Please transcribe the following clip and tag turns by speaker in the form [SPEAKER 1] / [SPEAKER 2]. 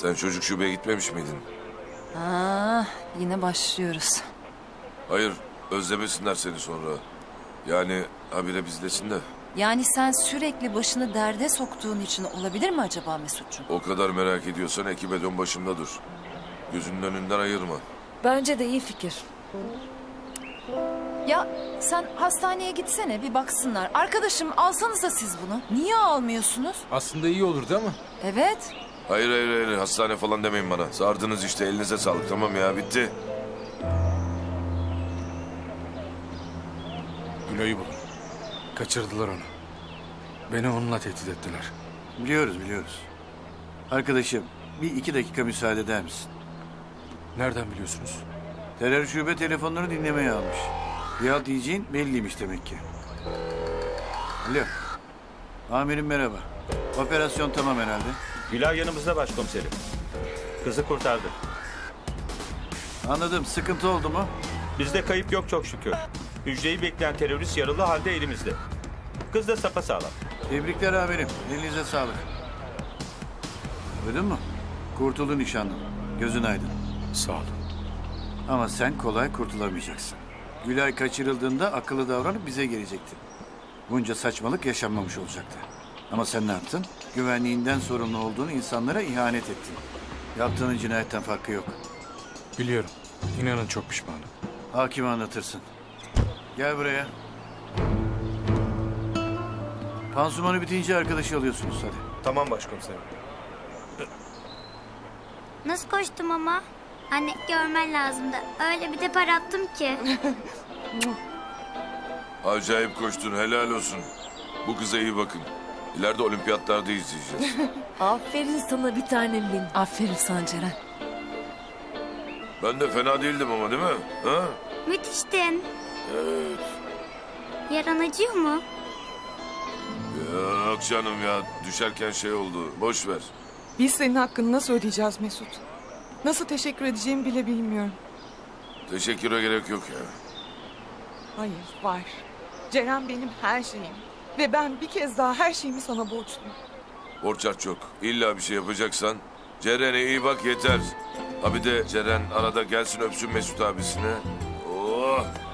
[SPEAKER 1] Sen çocuk şubeye gitmemiş miydin?
[SPEAKER 2] Yine başlıyoruz.
[SPEAKER 1] Hayır, özlemesinler seni sonra. Yani habire bizdesin de.
[SPEAKER 2] Yani sen sürekli başını derde soktuğun için olabilir mi acaba Mesut'cum?
[SPEAKER 1] O kadar merak ediyorsan ekibe dön, başımda dur. Gözünün önünden ayırma.
[SPEAKER 3] Bence de iyi fikir.
[SPEAKER 2] Ya sen hastaneye gitsene bir baksınlar. Arkadaşım alsanıza siz bunu. Niye almıyorsunuz?
[SPEAKER 4] Aslında iyi olurdu ama.
[SPEAKER 2] Evet.
[SPEAKER 1] Hayır, hastane falan demeyin bana. Sardınız işte, elinize sağlık, tamam ya, bitti.
[SPEAKER 4] Gülo'yu bulun. Kaçırdılar onu. Beni onunla tehdit ettiler.
[SPEAKER 5] Biliyoruz. Arkadaşım, bir 2 dakika müsaade eder misin?
[SPEAKER 4] Nereden biliyorsunuz?
[SPEAKER 5] Terör şube telefonları dinlemeye almış. Riyad diyeceğin belliymiş demek ki. Alo. Amirim merhaba. Operasyon tamam herhalde.
[SPEAKER 6] Gülay yanımızda başkomiserim. Kızı kurtardı.
[SPEAKER 5] Anladım. Sıkıntı oldu mu?
[SPEAKER 6] Bizde kayıp yok çok şükür. Hücreyi bekleyen terörist yaralı halde elimizde. Kız da sapasağlam.
[SPEAKER 5] Tebrikler amirim. Elinize sağlık. Duydun mu? Kurtuldu nişanlın. Gözün aydın.
[SPEAKER 4] Sağ olun.
[SPEAKER 5] Ama sen kolay kurtulamayacaksın. Gülay kaçırıldığında akıllı davranıp bize gelecekti. Bunca saçmalık yaşanmamış olacaktı. Ama sen ne yaptın? Güvenliğinden sorumlu olduğunu insanlara ihanet ettin. Yaptığının cinayetten farkı yok.
[SPEAKER 4] Biliyorum. İnanın çok pişmanım.
[SPEAKER 5] Hakime anlatırsın. Gel buraya. Pansumanı bitince arkadaşı alıyorsunuz hadi.
[SPEAKER 6] Tamam başkomiserim.
[SPEAKER 7] Nasıl koştum ama? Anne görmen lazımdı. Öyle bir depar attım ki.
[SPEAKER 1] Acayip koştun, helal olsun. Bu kıza iyi bakın. İleride olimpiyatlarda izleyeceğiz.
[SPEAKER 3] Aferin sana bir tanem benim.
[SPEAKER 2] Aferin sana Ceren.
[SPEAKER 1] Ben de fena değildim ama, değil mi? Ha?
[SPEAKER 7] Müthiştin.
[SPEAKER 1] Evet.
[SPEAKER 7] Yaran acıyor mu?
[SPEAKER 1] Yok canım ya, düşerken şey oldu. Boş ver.
[SPEAKER 8] Biz senin hakkını nasıl ödeyeceğiz Mesut? Nasıl teşekkür edeceğimi bile bilmiyorum.
[SPEAKER 1] Teşekküre gerek yok ya.
[SPEAKER 8] Hayır, var. Ceren benim her şeyim. Ve ben bir kez daha her şeyimi sana borçluyum.
[SPEAKER 1] Borç harç çok. İlla bir şey yapacaksan Ceren'e iyi bak yeter. Ha bir de Ceren arada gelsin öpsün Mesut abisine. Oh!